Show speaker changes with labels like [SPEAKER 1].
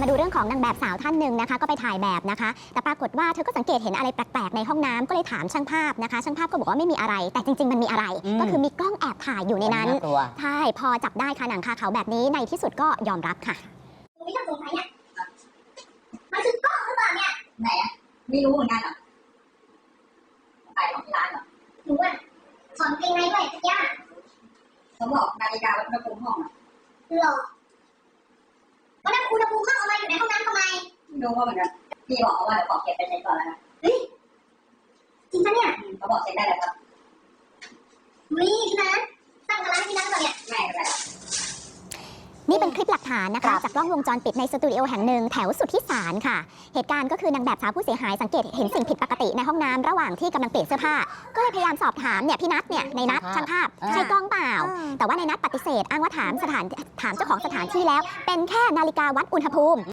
[SPEAKER 1] มาดูเรื่องของนางแบบสาวท่านหนึ่งนะคะก็ไปถ่ายแบบนะคะแต่ปรากฏว่าเธอก็สังเกตเห็นอะไรแปลกๆในห้องน้ำก็เลยถามช่างภาพนะคะช่างภาพก็บอกว่าไม่มีอะไรแต่จริงๆมันมีอะไรก็คือมีกล้องแอบถ่ายอยู่ในนั้นใช่พอจับได้ค่ะหนังคาเขาแบบนี้ในที่สุดก็ยอมรับค่ะ
[SPEAKER 2] ไม่ต้องสงสัยเนี่ยมันคือกล้องหรือเปล่าเนี่ยไหนอะไม่รู้เหมือนกันเหรอขายของที่ร้านเหรอหนูอะถอนเกงในด้วยสักอย่างเขาบอกนาฬิกาวัดอุณหภูมิห้องอะหรอวัดอุณหภูมิห้องเอามาอยู่ในห้องน้ำทำไมไม่รู้ว่าเหมือนกันพี่บอกว่าเดี๋ยวขอเก็บไปเช็คก่อนแล้วนะเฮ้ยจริงปะเนี่ยเขาบอกเช็คได้เลยครับนี่ใช่ไหมตั้งร้านที่นั่นก่อนเนี่ยไม่เป็นไร
[SPEAKER 1] นี่เป็นคลิปหลักฐานนะคะจากกล้องวงจรปิดในสตูดิโอแห่งหนึ่งแถวสุทธิสารค่ะเหตุการณ์ก็คือนางแบบสาวผู้เสียหายสังเกตเห็นสิ่งผิดปกติในห้องน้ำระหว่างที่กำลังเปลี่ยนเสื้อผ้าก็เลยพยายามสอบถามเนี่ยพี่นัทเนี่ยในนัทช่างภาพใช่กล้องเปล่าแต่ว่าในนัทปฏิเสธอ้างว่าถามเจ้าของสถานที่แล้วเป็นแค่นาฬิกาวัดอุณหภูมิ